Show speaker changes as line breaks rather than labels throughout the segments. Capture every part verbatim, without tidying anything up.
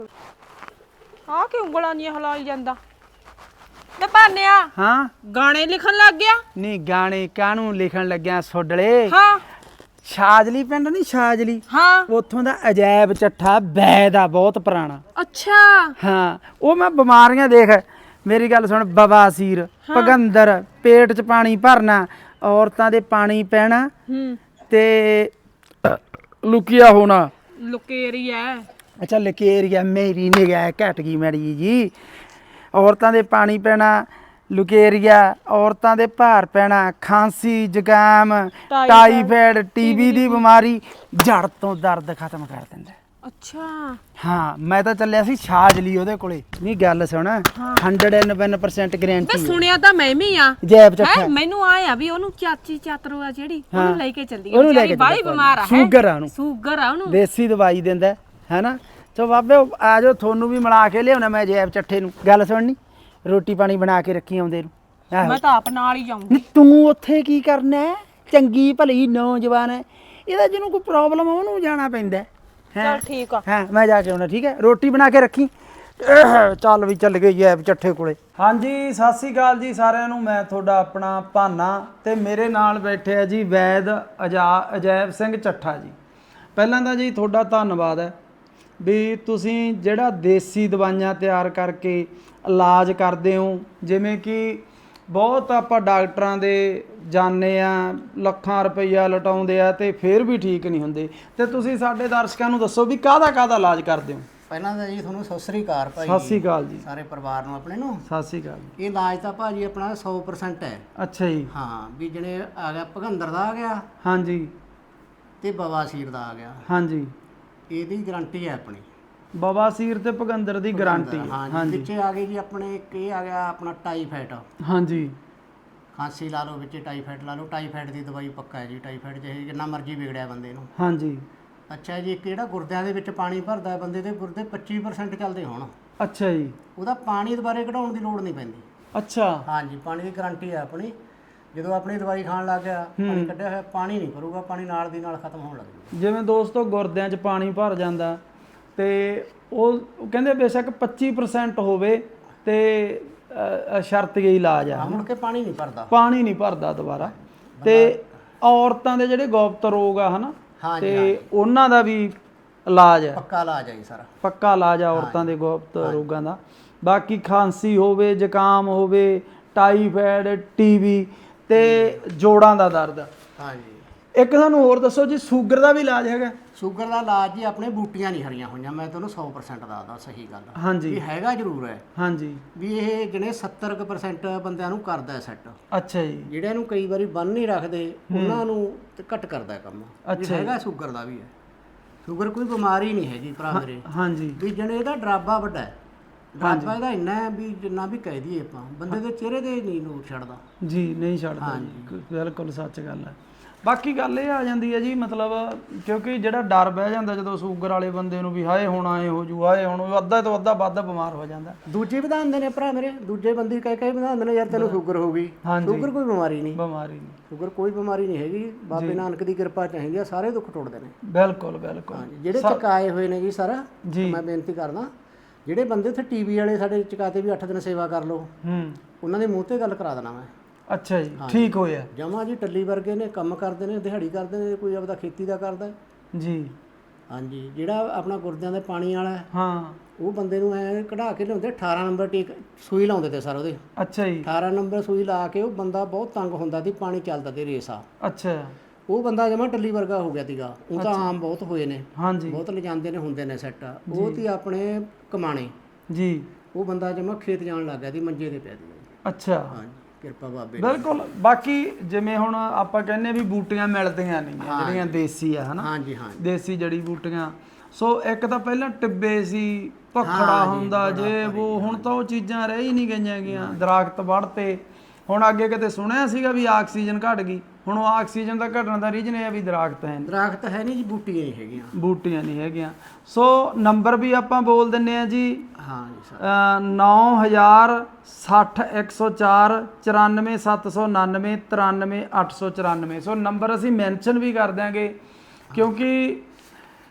ਆ ਕਿ ਉਂਗਲਾਂ ਨਹੀਂ ਹਿਲਾਈ ਜਾਂਦਾ ਤੇ ਭਾਨਿਆ।
ਹਾਂ
ਗਾਣੇ ਲਿਖਣ ਲੱਗ ਗਿਆ।
ਨਹੀਂ ਗਾਣੇ ਕਾਹਨੂੰ ਲਿਖਣ ਲੱਗਿਆ ਸੋਡਲੇ।
ਹਾਂ
ਸ਼ਾਜਲੀ ਪਿੰਡ ਨਹੀਂ ਸ਼ਾਜਲੀ,
ਹਾਂ
ਉੱਥੋਂ ਦਾ ਅਜਾਇਬ ਚੱਠਾ ਵੈਦ ਆ ਬਹੁਤ ਪੁਰਾਣਾ।
ਅੱਛਾ
ਹਾਂ ਉਹ ਮੈਂ ਬਿਮਾਰੀਆਂ ਦੇਖ ਮੇਰੀ ਗੱਲ ਸੁਣ, ਬਵਾਸੀਰ, ਭਗੰਦਰ, ਪੇਟ 'ਚ ਪਾਣੀ ਭਰਨਾ, ਔਰਤਾਂ ਦੇ ਪਾਣੀ ਪੈਣਾ
ਹੂੰ
ਤੇ ਲੁਕਿਆ ਹੋਣਾ।
ਲੁਕੇਰੀ ਐ।
ਅੱਛਾ ਲਕੇਰੀਆ, ਮੇਰੀ ਨਿਗਾਹ ਘਟ ਗਈ ਮੈੜੀ ਜੀ। ਔਰਤਾਂ ਦੇ ਪਾਣੀ ਪੈਣਾ, ਲੁਕੇਰੀਆ, ਔਰਤਾਂ ਦੇ ਭਾਰ ਪੈਣਾ, ਖਾਂਸੀ, ਜ਼ੁਕਾਮ, ਟਾਈਫਾਇਡ, ਟੀਬੀ ਦੀ ਬਿਮਾਰੀ, ਜੜ ਤੋਂ ਦਰਦ ਖਤਮ ਕਰ ਦਿੰਦਾ।
ਅੱਛਾ
ਹਾਂ ਮੈਂ ਤਾਂ ਚੱਲਿਆ ਸੀ ਛਾਜਲੀ ਉਹਦੇ ਕੋਲੇ। ਨਹੀਂ ਗੱਲ ਸੁਣ, hundred and one percent guarantee.
ਮੈਂ ਸੁਣਿਆ ਤਾਂ ਮੈਂ ਵੀ ਆ
ਜੈਬ ਚੱਠਾ।
ਮੈਨੂੰ ਆਇਆ ਵੀ ਉਹਨੂੰ ਚਾਚੀ ਚਾਤਰੋ ਆ ਜਿਹੜੀ ਉਹਨੂੰ ਲੈ ਕੇ ਚੱਲੀ।
ਉਹਨੂੰ ਲੈ ਕੇ
ਬਾਈ ਬਿਮਾਰ ਆ,
ਸ਼ੂਗਰ ਆ ਉਹਨੂੰ,
ਸ਼ੂਗਰ ਆ ਉਹਨੂੰ,
ਦੇਸੀ ਦਵਾਈ ਦਿੰਦਾ ਹੈਨਾ। ਚੋ ਬਾਬੇ ਆ ਜਾਓ, ਤੁਹਾਨੂੰ ਵੀ ਮਿਲਾ ਕੇ ਲਿਆਉਣਾ ਮੈਂ ਜੈਬ ਚੱਠੇ ਨੂੰ। ਗੱਲ ਸੁਣਨੀ, ਰੋਟੀ ਪਾਣੀ ਬਣਾ ਕੇ ਰੱਖੀ ਆਉਂਦੇ ਨੂੰ।
ਮੈਂ ਤਾਂ ਆਪ ਨਾਲ ਹੀ ਜਾਊਂਗੀ।
ਤੂੰ ਉੱਥੇ ਕੀ ਕਰਨਾ ਹੈ? ਚੰਗੀ ਭਲੀ ਨੌਜਵਾਨ ਹੈ, ਇਹਦਾ ਜਿਹਨੂੰ ਕੋਈ ਪ੍ਰੋਬਲਮ ਆ ਉਹਨੂੰ ਜਾਣਾ ਪੈਂਦਾ।
ਚਲ ਠੀਕ ਆ।
ਹਾਂ ਮੈਂ ਜਾ ਕੇ ਆਉਣਾ, ਠੀਕ ਹੈ। ਰੋਟੀ ਬਣਾ ਕੇ ਰੱਖੀ। ਚੱਲ ਵੀ ਚੱਲ ਗਈ ਐ ਚੱਠੇ ਕੋਲੇ। ਹਾਂਜੀ ਸਤਿ ਸ੍ਰੀ ਅਕਾਲ ਜੀ ਸਾਰਿਆਂ ਨੂੰ। ਮੈਂ ਤੁਹਾਡਾ ਆਪਣਾ ਭਾਨਾ ਤੇ ਮੇਰੇ ਨਾਲ ਬੈਠੇ ਆ ਜੀ ਵੈਦ ਅਜਾ ਅਜੈਬ ਸਿੰਘ ਚੱਠਾ ਜੀ। ਪਹਿਲਾਂ ਤਾਂ ਜੀ ਤੁਹਾਡਾ ਧੰਨਵਾਦ ਹੈ ਵੀ ਤੁਸੀਂ ਜਿਹੜਾ ਦੇਸੀ ਦਵਾਈਆਂ ਤਿਆਰ ਕਰਕੇ ਇਲਾਜ ਕਰਦੇ ਹੋ। ਜਿਵੇਂ ਕਿ ਬਹੁਤ ਆਪਾਂ ਡਾਕਟਰਾਂ ਦੇ ਜਾਂਦੇ ਆ, ਲੱਖਾਂ ਰੁਪਈਆ ਲਟਾਉਂਦੇ ਆ ਤੇ ਫਿਰ ਵੀ ਠੀਕ ਨਹੀਂ ਹੁੰਦੇ, ਤੇ ਤੁਸੀਂ ਸਾਡੇ ਦਰਸ਼ਕਾਂ ਨੂੰ ਦੱਸੋ ਵੀ ਕਾਹਦਾ ਕਾਹਦਾ ਇਲਾਜ ਕਰਦੇ ਹੋ।
ਪਹਿਲਾਂ ਤਾਂ ਜੀ ਤੁਹਾਨੂੰ ਸਤਿ ਸ੍ਰੀ ਅਕਾਲ ਭਾਈ।
ਸਤਿ ਸ੍ਰੀ ਅਕਾਲ ਜੀ
ਸਾਰੇ ਪਰਿਵਾਰ ਨੂੰ ਆਪਣੇ ਨੂੰ
ਸਤਿ ਸ੍ਰੀ ਅਕਾਲ।
ਇਹ ਇਲਾਜ ਤਾਂ ਭਾਜੀ ਆਪਣਾ ਸੌ ਪਰਸੈਂਟ ਹੈ।
ਅੱਛਾ ਜੀ।
ਹਾਂ ਵੀ ਜਿਹੜੇ ਆ ਗਿਆ ਭਗੰਦਰ ਦਾ ਆ ਗਿਆ
ਹਾਂਜੀ
ਤੇ ਬਵਾਸੀਰ ਦਾ ਆ ਗਿਆ,
ਹਾਂਜੀ
ਇਹਦੀ ਗਾਰੰਟੀ ਹੈ ਆਪਣੀ।
ਬਵਾਸੀਰ ਤੇ ਭਗੰਦਰ ਦੀ ਗਾਰੰਟੀ।
ਹਾਂਜੀ ਵਿੱਚੇ ਆ ਗਈ ਜੀ ਆਪਣੇ ਇੱਕ ਇਹ ਆ ਗਿਆ ਆਪਣਾ ਟਾਈਫਾਇਡ।
ਹਾਂਜੀ
ਖਾਂਸੀ ਲਾ ਲਓ, ਵਿੱਚੇ ਟਾਈਫਾਇਡ ਲਾ ਲਓ। ਟਾਈਫਾਇਡ ਦੀ ਦਵਾਈ ਪੱਕਾ ਹੈ ਜੀ। ਟਾਈਫਾਇਡ ਜਿਹੇ ਜਿੰਨਾ ਮਰਜ਼ੀ ਵਿਗੜਿਆ ਬੰਦੇ ਨੂੰ।
ਹਾਂਜੀ
ਅੱਛਾ ਜੀ, ਇੱਕ ਜਿਹੜਾ ਗੁਰਦਿਆਂ ਦੇ ਵਿੱਚ ਪਾਣੀ ਭਰਦਾ ਬੰਦੇ ਦੇ ਗੁਰਦੇ ਪੱਚੀ ਪਰਸੈਂਟ ਚੱਲਦੇ ਹੋਣ,
ਅੱਛਾ ਜੀ,
ਉਹਦਾ ਪਾਣੀ ਦੁਬਾਰੇ ਕਢਾਉਣ ਦੀ ਲੋੜ ਨਹੀਂ ਪੈਂਦੀ।
ਅੱਛਾ
ਹਾਂਜੀ ਪਾਣੀ ਦੀ ਗਾਰੰਟੀ ਹੈ ਆਪਣੀ। ਜਦੋਂ ਆਪਣੀ ਦਵਾਈ ਖਾਣ ਲੱਗ ਗਿਆ, ਪਾਣੀ ਕੱਢਿਆ ਹੋਇਆ ਪਾਣੀ ਨਹੀਂ ਭਰੂਗਾ, ਪਾਣੀ ਨਾਲ ਦੀ ਨਾਲ ਖਤਮ ਹੋਣ ਲੱਗ ਜੂਗਾ।
ਜਿਵੇਂ ਦੋਸਤੋ ਗੁਰਦਿਆਂ 'ਚ ਪਾਣੀ ਭਰ ਜਾਂਦਾ ਤੇ ਉਹ ਕਹਿੰਦੇ ਬੇਸ਼ੱਕ ਪੱਚੀ ਪਰਸੈਂਟ ਹੋਵੇ ਤੇ ਸ਼ਰਤ ਹੀ ਇਲਾਜ ਆ,
ਮੁੜ ਕੇ ਪਾਣੀ ਨਹੀਂ ਭਰਦਾ,
ਪਾਣੀ ਨਹੀਂ ਭਰਦਾ ਦੁਬਾਰਾ। ਤੇ ਔਰਤਾਂ ਦੇ ਜਿਹੜੇ ਗੁਪਤ ਰੋਗ ਆ ਹਨਾ, ਤੇ ਉਹਨਾਂ ਦਾ ਵੀ ਇਲਾਜ ਹੈ,
ਪੱਕਾ ਇਲਾਜ ਹੈ ਜੀ ਸਾਰਾ।
ਪੱਕਾ ਇਲਾਜ ਆ ਔਰਤਾਂ ਦੇ ਗੁਪਤ ਰੋਗਾਂ ਦਾ। ਬਾਕੀ ਖਾਂਸੀ ਹੋਵੇ, ਜ਼ੁਕਾਮ ਹੋਵੇ, ਟਾਈਫਾਇਡ, ਟੀਬੀ ਤੇ ਜੋੜਾਂ ਦਾ ਦਰਦ।
ਹਾਂਜੀ
ਇੱਕ ਸਾਨੂੰ ਹੋਰ ਦੱਸੋ ਜੀ, ਸ਼ੂਗਰ ਦਾ ਵੀ ਇਲਾਜ ਹੈਗਾ?
ਸ਼ੂਗਰ ਦਾ ਇਲਾਜ ਜੀ ਆਪਣੇ ਬੂਟੀਆਂ ਨਹੀਂ ਹਰੀਆਂ ਹੋਈਆਂ। ਮੈਂ ਤੁਹਾਨੂੰ ਸੌ ਪਰਸੈਂਟ ਦੱਸਦਾ ਸਹੀ ਗੱਲ।
ਹਾਂਜੀ
ਇਹ ਹੈਗਾ ਜ਼ਰੂਰ ਹੈ।
ਹਾਂਜੀ
ਵੀ ਇਹ ਜਿਹੜੇ ਸੱਤਰ ਕੁ ਪਰਸੈਂਟ ਬੰਦਿਆਂ ਨੂੰ ਕਰਦਾ ਸੈੱਟ।
ਅੱਛਾ ਜੀ।
ਜਿਹੜਿਆਂ ਨੂੰ ਕਈ ਵਾਰੀ ਬੰਨ ਨਹੀਂ ਰੱਖਦੇ ਉਹਨਾਂ ਨੂੰ ਤੇ ਘੱਟ ਕਰਦਾ ਕੰਮ।
ਅੱਛਾ
ਹੈਗਾ ਸ਼ੂਗਰ ਦਾ ਵੀ ਹੈ। ਸ਼ੂਗਰ ਕੋਈ ਬਿਮਾਰੀ ਨਹੀਂ ਹੈਗੀ ਭਰਾ ਮੇਰੇ।
ਹਾਂਜੀ
ਵੀ ਜਣੇ ਇਹਦਾ ਡਰਾਬਾ ਵੱਡਾ ਹੈ। ਡਰਾਬਾ ਇਹਦਾ ਇੰਨਾ ਹੈ ਵੀ ਜਿੰਨਾ ਵੀ ਕਹਿ ਦਈਏ ਆਪਾਂ, ਬੰਦੇ ਦੇ ਚਿਹਰੇ ਤੇ ਨਹੀਂ ਨੂਰ ਛੱਡਦਾ
ਜੀ, ਨਹੀਂ ਛੱਡਦਾ ਜੀ, ਬਿਲਕੁਲ ਸੱਚ ਗੱਲ ਹੈ। ਬਾਕੀ ਗੱਲ ਇਹ ਆ ਜਾਂਦੀ ਹੈ ਜੀ, ਮਤਲਬ ਕਿਉਂਕਿ ਜਿਹੜਾ ਡਰ ਬਹਿ ਜਾਂਦਾ ਜਦੋਂ ਸ਼ੂਗਰ ਵਾਲੇ ਬੰਦੇ ਨੂੰ ਵੀ ਹਾਏ ਹੁਣ ਆਏ ਹੋ ਜੂ, ਹਾਏ ਹੁਣ ਅੱਧਾ ਤੋਂ ਅੱਧਾ ਵੱਧ ਬਿਮਾਰ ਹੋ ਜਾਂਦਾ।
ਦੂਜੇ ਵਧਾਉਂਦੇ ਨੇ ਭਰਾ ਮੇਰੇ, ਦੂਜੇ ਬੰਦੇ ਕਹਿ ਕਹਿ ਵਧਾਉਂਦੇ ਨੇ ਯਾਰ ਤੈਨੂੰ ਸ਼ੂਗਰ ਹੋ ਗਈ। ਸ਼ੂਗਰ ਕੋਈ ਬਿਮਾਰੀ ਨਹੀਂ,
ਬਿਮਾਰੀ ਨਹੀਂ,
ਸ਼ੂਗਰ ਕੋਈ ਬਿਮਾਰੀ ਨਹੀਂ ਹੈਗੀ। ਬਾਬੇ ਨਾਨਕ ਦੀ ਕਿਰਪਾ ਚਾਹੀਦੀ ਆ, ਸਾਰੇ ਦੁੱਖ ਟੁੱਟਦੇ ਨੇ।
ਬਿਲਕੁਲ ਬਿਲਕੁਲ।
ਜਿਹੜੇ ਚਕਾਏ ਹੋਏ ਨੇ ਜੀ ਸਾਰਾ, ਮੈਂ ਬੇਨਤੀ ਕਰਦਾ ਜਿਹੜੇ ਬੰਦੇ ਉੱਥੇ ਟੀਵੀ ਵਾਲੇ ਸਾਡੇ ਚਕਾਤੇ ਵੀ ਅੱਠ ਦਿਨ ਸੇਵਾ ਕਰ ਲਓ,
ਹੂੰ
ਉਹਨਾਂ ਦੇ ਮੂੰਹ ਤੇ ਗੱਲ ਕਰਾ ਦੇਣਾ ਮੈਂ।
ਅੱਛਾ ਜੀ, ਠੀਕ ਹੋਇਆ
ਜਮਾ ਜੀ। ਟੱਲੀ ਵਰਗੇ ਨੇ, ਕੰਮ ਕਰਦੇ ਨੇ, ਦਿਹਾੜੀ ਕਰਦੇ ਨੇ, ਕੋਈ ਆਪਦਾ ਖੇਤੀ ਦਾ ਕਰਦਾ
ਜੀ।
ਹਾਂਜੀ ਜਿਹੜਾ ਆਪਣਾ ਗੁਰਦਿਆਂ ਦੇ ਪਾਣੀ ਵਾਲਾ
ਹਾਂ,
ਉਹ ਬੰਦੇ ਨੂੰ ਐ ਕਢਾ ਕੇ ਲਿਆਉਂਦੇ। ਅਠਾਰਾਂ ਨੰਬਰ ਟੀਕ ਸੂਈ ਲਾਉਂਦੇ ਤੇ ਸਰ ਉਹਦੇ।
ਅੱਛਾ ਜੀ।
ਅਠਾਰਾਂ ਨੰਬਰ ਸੂਈ ਲਾ ਕੇ ਉਹ ਬੰਦਾ ਬਹੁਤ ਤੰਗ ਹੁੰਦਾ ਸੀ, ਪਾਣੀ ਚੱਲਦਾ ਤੇ ਰੇਸਾ।
ਅੱਛਾ
ਉਹ ਬੰਦਾ ਜਮਾ ਟੱਲੀ ਵਰਗਾ ਹੋ ਗਿਆ ਸੀਗਾ। ਉਹ ਤਾਂ ਆਮ ਬਹੁਤ ਹੋਏ ਨੇ,
ਹਾਂਜੀ
ਬਹੁਤ ਲਿਜਾਂਦੇ ਨੇ, ਹੁੰਦੇ ਨੇ ਸੈੱਟ। ਉਹ ਤੀ ਆਪਣੇ ਕਮਾਣੇ
ਜੀ।
ਉਹ ਬੰਦਾ ਜਮਾ ਖੇਤ ਜਾਣ ਲੱਗ ਗਿਆ ਸੀ, ਮੰਜੇ ਤੇ ਪਿਆ ਸੀ।
ਅੱਛਾ
ਹਾਂਜੀ ਕਿਰਪਾ ਬਾਬੇ।
ਬਿਲਕੁਲ। ਬਾਕੀ ਜਿਵੇਂ ਹੁਣ ਆਪਾਂ ਕਹਿੰਦੇ ਵੀ ਬੂਟੀਆਂ ਮਿਲਦੀਆਂ ਨਹੀਂ ਜਿਹੜੀਆਂ ਦੇਸੀ ਆ ਹਨਾ,
ਹਾਂਜੀ ਹਾਂ
ਦੇਸੀ ਜੜੀ ਬੂਟੀਆਂ। ਸੋ ਇੱਕ ਤਾਂ ਪਹਿਲਾਂ ਟਿੱਬੇ ਸੀ, ਭਖੜਾ ਹੁੰਦਾ ਜੇ ਉਹ, ਹੁਣ ਤਾਂ ਉਹ ਚੀਜ਼ਾਂ ਰਹਿ ਹੀ ਨਹੀਂ ਗਈਆਂ ਗੀਆਂ। ਦਰਖਤ ਵੜਤੇ। ਹੁਣ ਅੱਗੇ ਕਿਤੇ ਸੁਣਿਆ ਸੀਗਾ ਵੀ ਆਕਸੀਜਨ ਘਟ ਗਈ, ਹੁਣ ਉਹ ਆਕਸੀਜਨ ਦਾ ਘਟਣ ਦਾ ਰੀਜਨ ਇਹ ਆ ਵੀ ਦਰਖਤ ਹੈ,
ਦਰਖਤ ਹੈ ਨਹੀਂ ਜੀ, ਬੂਟੀਆਂ ਹੀ ਹੈਗੀਆਂ,
ਬੂਟੀਆਂ ਨਹੀਂ ਹੈਗੀਆਂ। ਸੋ ਨੰਬਰ ਵੀ ਆਪਾਂ ਬੋਲ ਦਿੰਨੇ ਆ ਜੀ।
ਹਾਂ ਜੀ ਸਰ।
ਨੌ ਹਜ਼ਾਰ ਸੱਠ ਇੱਕ ਸੌ ਚਾਰ ਚੁਰਾਨਵੇਂ ਸੱਤ ਸੌ ਉਣਾਨਵੇਂ ਤਰਾਨਵੇਂ ਅੱਠ ਸੌ ਚੁਰਾਨਵੇਂ। ਸੋ ਨੰਬਰ ਅਸੀਂ ਮੈਂਸ਼ਨ ਵੀ ਕਰ ਦਿਆਂਗੇ, ਕਿਉਂਕਿ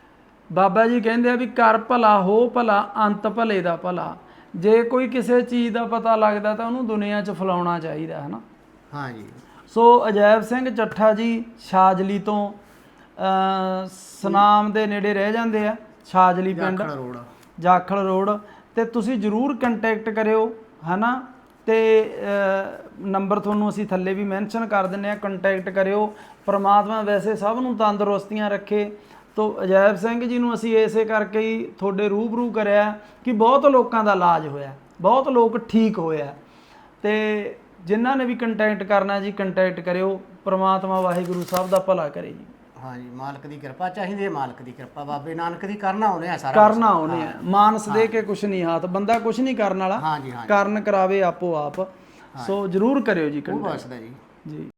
ਬਾਬਾ ਜੀ ਕਹਿੰਦੇ ਆ ਵੀ ਕਰ ਭਲਾ ਹੋ ਭਲਾ ਅੰਤ ਭਲੇ ਦਾ ਭਲਾ। ਜੇ ਕੋਈ ਕਿਸੇ ਚੀਜ਼ ਦਾ ਪਤਾ ਲੱਗਦਾ ਤਾਂ ਉਹਨੂੰ ਦੁਨੀਆ 'ਚ ਫੈਲਾਉਣਾ ਚਾਹੀਦਾ ਹੈ ਨਾ।
ਹਾਂ ਜੀ।
ਸੋ ਅਜੈਬ ਸਿੰਘ ਚੱਠਾ ਜੀ ਛਾਜਲੀ ਤੋਂ ਅ, ਸੁਨਾਮ ਦੇ ਨੇੜੇ ਰਹਿ ਜਾਂਦੇ ਆ, ਛਾਜਲੀ ਪਿੰਡ,
ਜਾਖਲ ਰੋਡ।
ਜਾਖਲ ਰੋਡ। ਤੇ ਤੁਸੀਂ ਜ਼ਰੂਰ ਕੰਟੈਕਟ ਕਰਿਓ ਹੈ ਨਾ। ਤੇ ਨੰਬਰ ਤੁਹਾਨੂੰ ਅਸੀਂ ਥੱਲੇ ਵੀ ਮੈਂਸ਼ਨ ਕਰ ਦਿੰਦੇ ਹਾਂ, ਕੰਟੈਕਟ ਕਰਿਓ। ਪ੍ਰਮਾਤਮਾ ਵੈਸੇ ਸਭ ਨੂੰ ਤੰਦਰੁਸਤੀਆਂ ਰੱਖੇ। ਤੋ ਅਜੈਬ ਸਿੰਘ ਜੀ ਨੂੰ ਅਸੀਂ ਇਸੇ ਕਰਕੇ ਹੀ ਤੁਹਾਡੇ ਰੂਬਰੂ ਕਰਿਆ ਕਿ ਬਹੁਤ ਲੋਕਾਂ ਦਾ ਇਲਾਜ ਹੋਇਆ, ਬਹੁਤ ਲੋਕ ਠੀਕ ਹੋਇਆ। ਤੇ ਜਿਨ੍ਹਾਂ ਨੇ ਵੀ ਕੰਟੈਕਟ ਕਰਨਾ ਜੀ ਕੰਟੈਕਟ ਕਰਿਓ। ਪ੍ਰਮਾਤਮਾ ਵਾਹਿਗੁਰੂ ਸਭ ਦਾ ਭਲਾ ਕਰੇ ਜੀ।
ਹਾਂ ਜੀ, ਮਾਲਕ ਦੀ ਕਿਰਪਾ ਚਾਹੀਦੀ ਹੈ, ਮਾਲਕ ਦੀ ਕਿਰਪਾ, ਬਾਬੇ ਨਾਨਕ ਦੀ ਕਰਨਾ ਆਉਨੇ ਆ ਸਾਰਾ
ਕਰਨਾ ਆਉਨੇ ਆ, ਮਾਨਸ ਦੇ ਕੇ ਕੁਛ ਨਹੀਂ ਹਾਥ, ਬੰਦਾ ਕੁਛ ਨਹੀਂ ਕਰਨ ਵਾਲਾ,
ਹਾਂ ਜੀ। ਹਾਂ ਜੀ,
ਕਰਨ ਕਰਾਵੇ ਆਪੋ ਆਪ। ਸੋ ਜਰੂਰ ਕਰਿਓ ਜੀ
ਉਹ
ਕੰਟੈਕਟ
ਬਸਦਾ ਜੀ।
ਜੀ।